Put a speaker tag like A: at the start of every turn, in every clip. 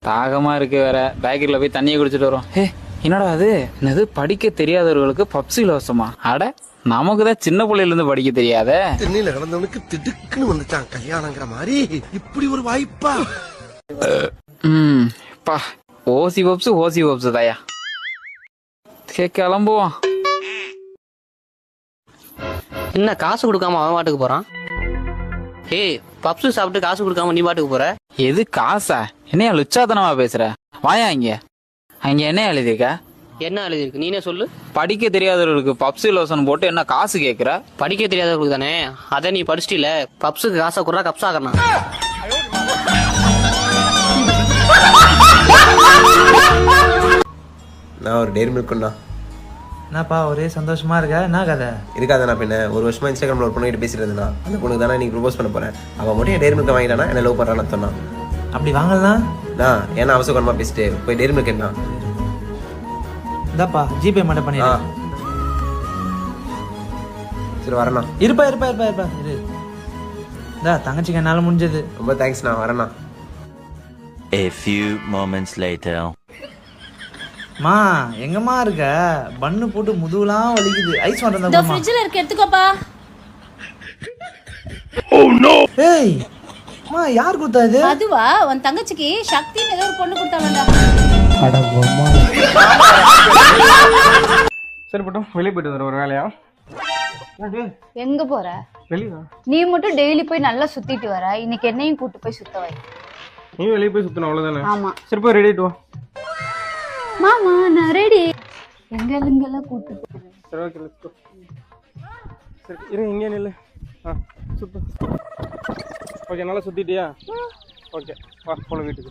A: தாகமா இருக்கு வேற. பேக்கரியில போய் தண்ணியை குடிச்சிட்டு வரோம். என்னடா அது? என்னது படிக்க தெரியாதவர்களுக்கு பப்ஸ் இலவசமா? அட, நமக்குதான் சின்ன பிள்ளையில இருந்து படிக்க தெரியாத.
B: தென்னையில கிடந்தவனுக்கு திடுக்குன்னு வந்துட்டான் கல்யாணங்கிற மாதிரி. இப்படி ஒரு வாய்ப்பா?
A: பா, ஓசி பப்ஸ் தாயா. கிளம்புவோம்.
C: என்ன காசு கொடுக்காம அவன் பாட்டுக்கு போறான்? ஏய், பப்ஸ் சாப்பிட்டு காசு கொடுக்காம நீ பாட்டுக்கு போற?
A: எது காசா? என்னையா லுச்சாத்தனமா பேசுற? வாயா இங்க. அங்க என்ன எழுதிருக்க?
C: என்ன எழுதிருக்கு நீனே சொல்லு.
A: படிக்க தெரியாதவர்களுக்கு பப்ஸ் இலவசம் போட்டு என்ன காசு கேக்குற?
C: படிக்க தெரியாதவங்களுக்கு தானே, அதை நீ படிச்சிட்டில. பப்ஸுக்கு காசை குறா கப்ஸ் ஆகணும்.
D: நான் ஒரு டெய்ரி மில்க் கொண்டா.
E: என்னப்பா ஒரே சந்தோஷமா இருக்கா? என்ன கதை
D: இருக்காதா? பின்ன ஒரு வருஷமா இன்ஸ்டாகிராம்ல ஒரு பொண்ணு பேசிட்டு இருந்தா. அந்த பொண்ணுக்கு தானே நீ ப்ரொபோஸ் பண்ண போறேன். அவன் மட்டும் டெய்ரி மில்க் வாங்கிட்டானா என்ன லவ் பண்றான்னு சொன்னான்.
E: அப்படி வாங்கலாம்
D: நான் ஏன்னா அவசரமா பேசிட்டு போய் டெய்ரி மில்க் என்ன
E: இந்தாப்பா ஜிபே மட்டும் பண்ணிடு.
D: சரி வரேண்ணா.
E: இருப்பா இரு. இந்தா தங்கச்சிக்கு என்னால முடிஞ்சது.
D: ரொம்ப தேங்க்ஸ்ண்ணா, வரேண்ணா.
F: A few moments later.
E: மா எங்கம்மா இருக்க? பண்ணு போட்டு முதுகுலாம் வலிக்குது. ஐஸ் வாட்டர்
G: இந்த ஃப்ரிட்ஜ்ல இருக்கு, எடுத்துக்கோப்பா.
E: Oh no. ஏய் மா, யார் கொடுத்தா இது?
G: அதுவா, உன் தங்கச்சிக்கு சக்தின்னு ஏதோ ஒரு பொண்ணு கொடுத்தாங்கடா.
E: அட பொம்மா.
H: சரி போட்டோம், வெளியே போயிட்டு வர ஒரு வேலையா?
G: எங்க போற?
H: வெளியா?
G: நீ மட்டும் டெய்லி போய் நல்லா சுத்திட்டு வர. இன்னைக்கு என்னையும் கூட்டு போய் சுத்த வை.
H: நீ வெளியே போய் சுத்தணும் அவ்வளவுதானே?
G: ஆமா.
H: சரி போய் ரெடி ஆயிட்டு வா.
G: மாமா நான் ரெடி. எங்கெல்லாம் கூட்டு போறேன்.
H: சரி ஓகே, லெட்ஸ் கோ. சரி இரு, இங்கே நில்லு. சுத்து. ஓகே, நல்லா சுத்திட்டியா? ஓகே வா போலாம் வீட்டுக்கு.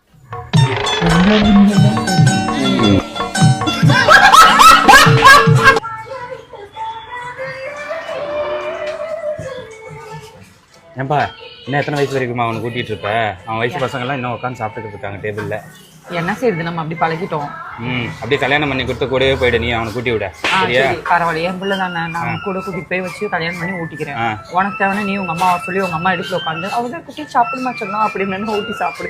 I: ஏன்பா, இன்னும் எத்தனை வயசு வரைக்குமா அவனை கூட்டிகிட்டு இருப்ப? அவன் வயசு பசங்கள்லாம் இன்னும் உட்காந்து சாப்பிட்டுக்கிட்டு இருக்காங்க டேபிளில்.
J: என்ன செய்யுது, நம்ம அப்படி பழகிட்டோம்.
I: அப்படியே கல்யாணம் பண்ணி கொடுத்த கூடவே போயிடு, நீ அவனை கூட்டி விட. சரியா?
J: பரவாயில்ல, என் பிள்ளை தானே, நான் கூட கூட்டிட்டு போய் வச்சு கல்யாணம் பண்ணி ஊட்டிக்கிறேன். உனக்கு தேவைன்னா நீ உங்க அம்மாவை சொல்லி உங்க அம்மா எடுத்து உட்காந்து அவங்க குட்டி சாப்பிடுமா சொல்லலாம் அப்படின்னு ஊட்டி சாப்பிடு.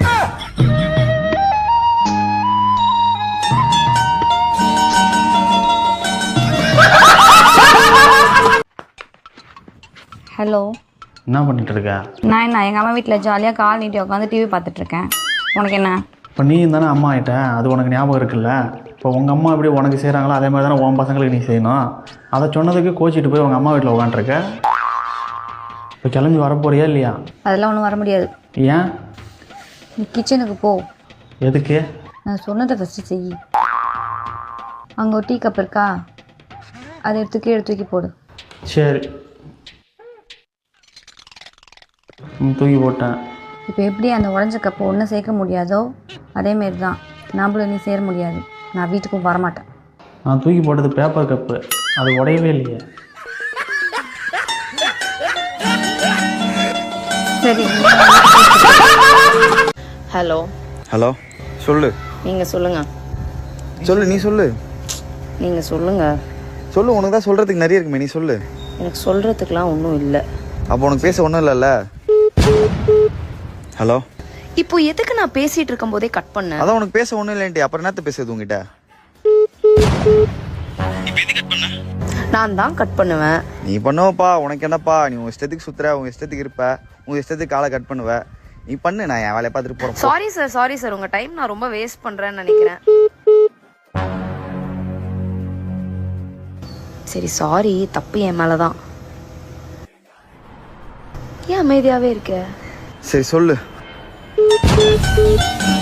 G: ஹலோ,
E: என்ன பண்ணிட்டு இருக்க?
G: நான் எங்க அம்மா வீட்டுல ஜாலியா கால் நீட்டி உட்காந்து டிவி பார்த்துட்டு இருக்கேன். உனக்கு என்ன?
E: இப்போ நீ தானே அம்மா ஆகிட்ட, அது உனக்கு ஞாபகம் இருக்குல்ல? இப்போ உங்கள் அம்மா எப்படி உனக்கு செய்கிறாங்களோ அதே மாதிரி தானே உன் பசங்களுக்கு நீ செய்யணும். அதை சொன்னதுக்கு கோச்சிட்டு போய் உங்கள் அம்மா வீட்டில் உட்காந்துருக்க. இப்போ கிளம்பி வரப்போறியா இல்லையா?
G: அதெல்லாம் ஒன்றும் வர முடியாது.
E: ஏன்?
G: நீ கிச்சனுக்கு போ.
E: எதுக்கு?
G: நான் சொன்னதை ஃபஸ்ட்டு செய். அங்கே ஒரு டீ கப் இருக்கா, அதை எடுத்து தூக்கி போடு.
E: சரி, தூக்கி போட்டேன்.
G: இப்போ எப்படி அந்த உடஞ்ச கப்பை ஒன்றும் சேர்க்க முடியாதோ அதேமாரி தான் நம்மளும் நீ சேர முடியாது. நான் வீட்டுக்கும் வரமாட்டேன்.
E: நான் தூக்கி போட்டது பேப்பர் கப்பு, அது உடையவே இல்லையே.
G: சரி.
K: ஹலோ
L: ஹலோ, சொல்லு.
K: நீங்கள் சொல்லுங்கள்.
L: சொல்லு, நீ சொல்லு.
K: நீங்கள் சொல்லுங்கள்.
L: சொல்லு, உனக்கு தான் சொல்கிறதுக்கு நிறைய இருக்குமே, நீ சொல்லு.
K: எனக்கு சொல்கிறதுக்கெலாம் ஒன்றும் இல்லை.
L: அப்போ உனக்கு பேச ஒன்றும் இல்லைல்ல? ஹலோ,
K: இப்போ எதுக்கு நான் பேசிகிட்டு இருக்கும் போதே கட் பண்ணேன்?
L: அதான் உனக்கு பேச ஒன்றும் இல்லைன்ட்டு அப்புறம் என்னத்த பேசுறது உங்ககிட்ட?
K: நான் தான் கட் பண்ணுவேன்.
L: நீ பண்ணுவப்பா, உனக்கு என்னப்பா? நீ உங்கள் இஷ்டத்துக்கு சுற்றுற, உங்கள் இஷ்டத்துக்கு இருப்ப, உங்கள் இஷ்டத்துக்கு காலை கட் பண்ணுவ. நீ பண்ணு, நான் என் வேலையை பார்த்துட்டு போகிறேன்.
K: சாரி சார், உங்கள் டைம் நான் ரொம்ப வேஸ்ட் பண்ணுறேன்னு நினைக்கிறேன். சரி சாரி, தப்பு என் மேலே தான். ஏன் அமைதியாகவே இருக்க?
L: சரி சொல்லு.